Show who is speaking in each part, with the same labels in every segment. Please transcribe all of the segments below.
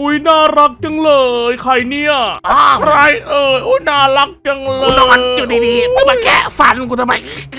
Speaker 1: อุ้ยน่ารักจังเลยใครเนี่ยใครอุ้ยน่ารักจังเลย
Speaker 2: นอนอยู่ดีๆมึงมาแคะฟันกูทำไม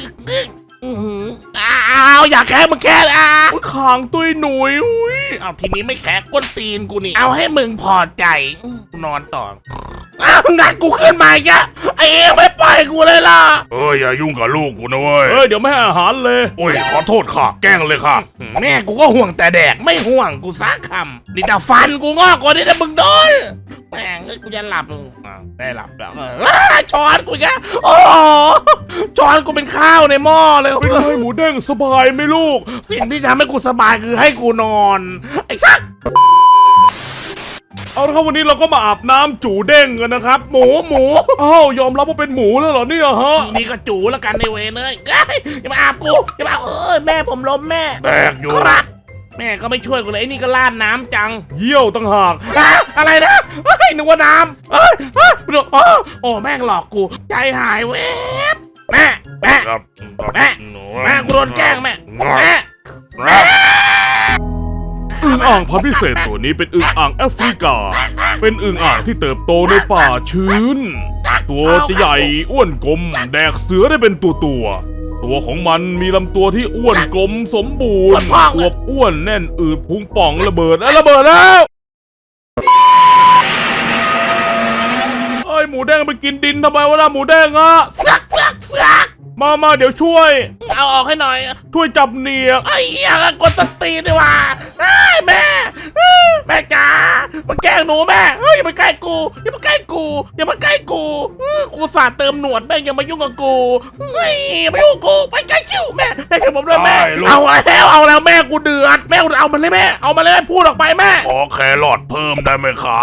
Speaker 2: อ้าวอยากแคะมึงแคะ
Speaker 1: ขางตุ้ยหนุยอุ้ย
Speaker 2: เอาทีนี้ไม่แคะก้นตีนกูนี่เอาให้มึงพอใจกูนอนต่องัดกูขึ้นมาอีกอะไอ้เอ๋ไม่ปล่อยกูเลยล่ะ
Speaker 3: อย่ายุ่งกับลูกกูนะเว้ย
Speaker 1: เดี๋ยวไม่ให้อาหารเลย
Speaker 3: โอ้ยขอโทษค่ะแกล้งเลยค่ะ
Speaker 2: แม่กูก็ห่วงแต่แดกไม่ห่วงกูซักคำนี่แต่ฟันกูงอกกว่านี้นะมึงโดนแม่งกูจะหลับได้หลับแล้วช้อนกูแกโอ้ช้อนกูเป็นข้าวในหม้อเลย
Speaker 1: เป็นไงหมูเด้งสบายไหมลูก
Speaker 2: สิ่งที่ทำให้กูสบายคือให้กูนอนไอ้ซัก
Speaker 1: เอาละครับวันนี้เราก็มาอาบน้ำจูเด้งกันนะครับหมูอ้าวยอมรับว่าเป็นหมูแล้วเหรอเนี่ยฮะ
Speaker 2: นี่ก็จูแล้วกันในเวเลยอย่ามาอาบกูอย่ามาแม่ผมล้มแม่
Speaker 3: แบกอยู่
Speaker 2: ครับแม่ก็ไม่ช่วยกูเลยไอ้นี่ก็ลาดน้ำจัง
Speaker 1: เยี่ยวตั้งหาก
Speaker 2: อะไรนะนึกว่าน้ำโอ้แม่งหลอกกูใจหายเว้ยแม่กูโดนแกล้งแม่
Speaker 1: อึ่งอ่างพันธุ์พิเศษตัวนี้เป็นอึ่งอ่างแอฟริกาเป็นอึ่งอ่างที่เติบโตในป่าชื้นตัวจะใหญ่อ้วนกลมแดกเสือได้เป็นตัวของมันมีลำตัวที่อ้วนกลมสมบูรณ์อวบอ้วนแน่นอืดพุงป่องระเบิดแล้วหมูแดงไปกินดินทำไมวะล่ะหมูแดงอะ
Speaker 2: ซัก
Speaker 1: มาเดี๋ยวช่วย
Speaker 2: เอาออกให้หน่อย
Speaker 1: ช่วยจับเนีย
Speaker 2: ไอ้เหี้ยกดสตีดีว่าแม่จ๋ามาแกล้งหนูแม่อย่ามาใกล้กูอย่ามาใกล้กูสาดเติมหนวดแม่อย่ามายุ่งกับกูไม่ยุ่งกูไปใกล้ชิวแม่ช่วยผมด้วยแม่เอาแล้วแม่กูเดือดแม่เอามันเลยแม่เอามาเลยพูดออกไปแม่
Speaker 3: ขอแครอทเพิ่มได้ไหมคะ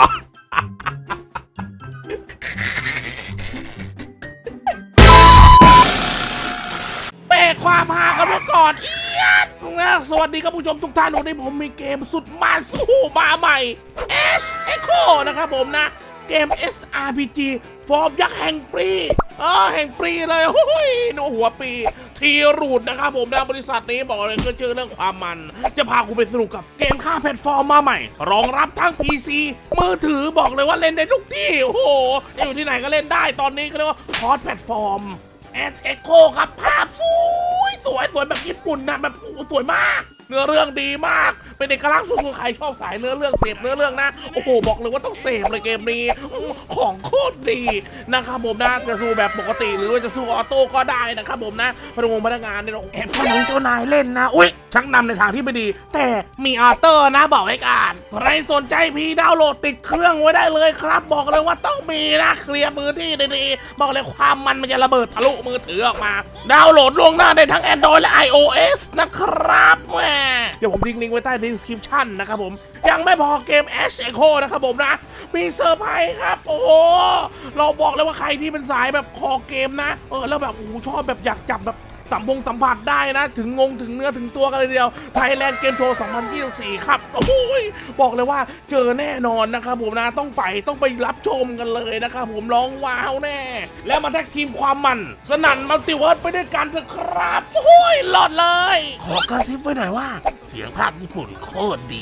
Speaker 2: ความหากันไว้ก่อนสวัสดีครับผู้ชมทุกท่านวันนี้ผมมีเกมสุดมันสู้มาใหม่ Echo นะครับผมนะเกม SRPG ฟอร์มยักษ์แห่งปีแห่งปีเลยหนูหัวปีทีรูดนะครับผมนะบริษัทนี้บอกเลยก็เจอเรื่องความมันจะพาคุณไปสนุกกับเกมค่าแพลตฟอร์มมาใหม่รองรับทั้ง PC มือถือบอกเลยว่าเล่นได้ทุกที่โอ้โหอยู่ที่ไหนก็เล่นได้ตอนนี้ก็เรียกว่าคอร์สแพลตฟอร์มEcho ครับภาพสวยแบบญี่ปุ่นนะแบบสวยมากเนื้อเรื่องดีมากเป็นเอกลักษณ์สุดๆใครชอบสายเนื้อเรื่องเสพเนื้อเรื่องนะโอ้โหบอกเลยว่าต้องเสพเลยเกมนี้ของโคตรดีนะครับผมนะจะสู้แบบปกติหรือว่าจะสู้ออโต้ก็ได้นะครับผมนะพนักงานเนี่ยแอบพนักเจ้านายเล่นนะอุ้ยชักนำในทางที่ไม่ดีแต่มีออโต้นะบอกไว้กันใครสนใจพีดาวน์โหลดติดเครื่องไว้ได้เลยครับบอกเลยว่าต้องมีนะเคลียร์มือที่ดีๆบอกเลยความมันจะระเบิดทะลุมือถือออกมาดาวน์โหลดล่วงหน้าได้ทั้ง Android และ iOS นะครับแม่เดี๋ยวผมทิ้งลิงก์ไว้ใต้ description นะครับผมยังไม่พอเกม Echo นะครับผมนะมีเซอร์ไพรส์ครับโอ้โหเราบอกเลยว่าใครที่เป็นสายแบบคอเกมนะแล้วแบบชอบแบบอยากจับแบบสัมผัสได้นะถึงถึงเนื้อถึงตัวกันเลยเดียว Thailand Game Show 2024 ครับโอ้ยบอกเลยว่าเจอแน่นอนนะครับผมนะต้องไปรับชมกันเลยนะครับผมร้องว้าวแน่แล้วมาแท็กทีมความมันสนั่นมัลติเวิร์สไปด้วยกันเถอะครับโอ้ยหลอดเลยขอกระซิบไว้หน่อยว่าเสียงภาพญี่ปุ่นโคตรดี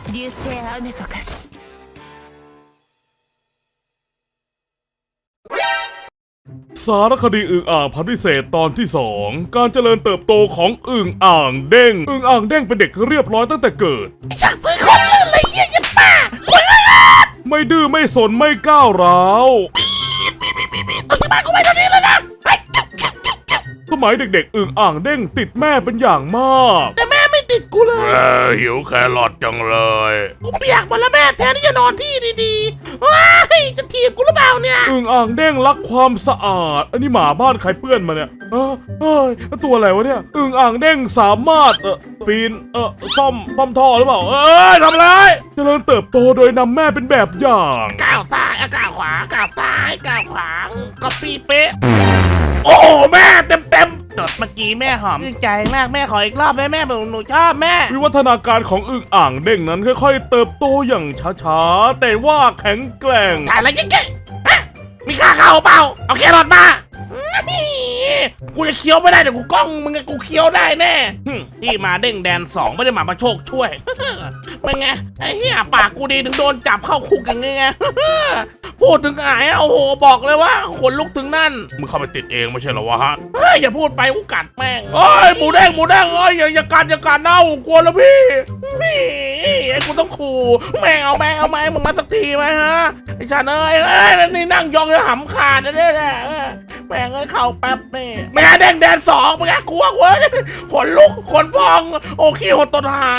Speaker 1: สารคดีอึ่งอ่างพันธุ์พิเศษตอนที่2การเจริญเติบโตของอึ่งอ่างเด้งอึ่งอ่างเด้งเป็นเด็กเรียบร้อยตั้งแต่เกิด
Speaker 2: ชักปืนคนลื่นเลยเยี่ยมป้า
Speaker 1: ไม่ดื้อไม่สนไม่ก้าวร้าว
Speaker 2: ตัวที่บ้านกูไปตอนนี้แล้วนะ
Speaker 1: สมัยเด็กๆอึ่งอ่างเด้งติดแม่เป็นอย่างมาก
Speaker 2: แต่แม่ไม่ติดกูเลย
Speaker 3: หิวแครอทจังเลย
Speaker 2: กูเปียกหมดแล้วแม่แทนที่จะนอนที่ดีๆว้ายจะถีบกูหรือเปล่าเนี่ย
Speaker 1: อึ่งอ่างเด้งรักความสะอาดอันนี้หมาบ้านใครเปื้อนมาเนี่ยตัวอะไรวะเนี่ยอึ่งอ่างเด้งสามารถปีนซ่อมท่อหรือเปล่าทำไรเจริญเติบโตโดยนำแม่เป็นแบบอย่าง
Speaker 2: ก้าวซ้ายก้าวขวาก้าวซ้ายก้าวขวาก็ปีเป๊ะโอ้แม่เต็มจดเมื่อกี้แม่หอมใจมากแม่ขออีกรอบได้แม่หนูชอบแม่
Speaker 1: วิวัฒนาการของอึ่งอ่างเด้งนั้นค่อยๆเติบโตอย่างช้าๆแต่ว่าแข็งแกร่ง
Speaker 2: ถ่ายอะไรเก๋ๆมีค่าเข้าเปล่าเอาแครอทมากูจะเคี้ยวไม่ได้เดี๋ยวกูกล้องมึงกับกูเคี้ยวได้แน่ที่มาเด้งแดน2ไม่ได้มาประโชคช่วย เป็นไงไอ้เหี้ยปากกูดีถึงโดนจับเข้าคุกอย่างไง พูดถึงอายโอ้โหบอกเลยว่าขนลุกถึงนั่น
Speaker 3: มึงเข้าไปติดเองไม่ใช่เหรอวะฮะ
Speaker 2: เฮ้ยอย่าพูดไปกูกัดแม่งเอ้ยหมูแดงเอ้ยอย่ากัดเน่ากลัวแล้วพี่นี่ไอ้กูต้องขู่แม่งเอาไหมมึงมาสักทีไหมฮะไอ้ชาเนยนี่นั่งยองจะหำขาดเนี่ยแม่งเอ้ยเข้าแป๊บนี่ไม่งั้นแดน2ไม่งั้นกลัวขนลุกขนพองโอเคหดตดหาย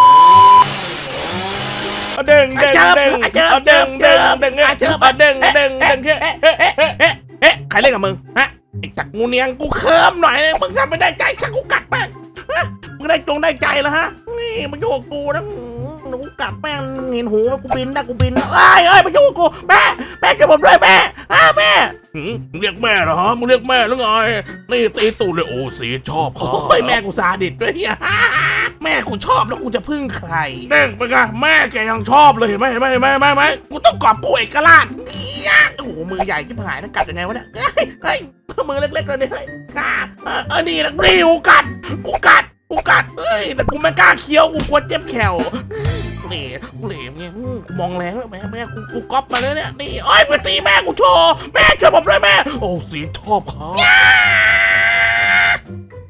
Speaker 1: เด้งเด้งเด้งเด้งเด้งเด้งเด้งเด้งเด้งเด้ง
Speaker 2: เอ๊ะใครเล่นกับมึงฮะไอ้สักงูเนียงกูเคิมหน่อยมึงทำไม่ได้ใจสักกูกัดแป้งมึงได้ใจแล้วฮะนี่มาโยกกูนะกูกัดแป้งเห็นหูกูบินนะเอ้ยมาโยกกูแม่กับผมด้วยแม่แม่
Speaker 1: มึงเรียกแม่เหรอฮะมึงเรียกแม่หรือไงนี่ตีตูดเลยโอ้สีชอบเขา
Speaker 2: โอ้ยแม่กูซาดิสด้วยแม่กูชอบแล้วกูจะพึ่งใคร
Speaker 1: เด้งไปไงแม่แกยังชอบเลยเห็นไหม
Speaker 2: กูต้องกอบกูเอกราชโอ้โหมือใหญ่ที่หายแล้วกัดยังไงวะเนี่ยเฮ้ยมือเล็กๆเลยเนี่ยนี่นะกูกัดเอ้ยแต่กูไม่กล้าเคี้ยวกูกลัวเจ็บแขวเหล่เนี่ยมองแรงแล้วแม่กูก๊อปมาเลยเนี่ยนี่อ้อยมาตีแม่กูโชว์แม่ช่วยผมด้วยแม่
Speaker 1: โอ้สีชอบเขา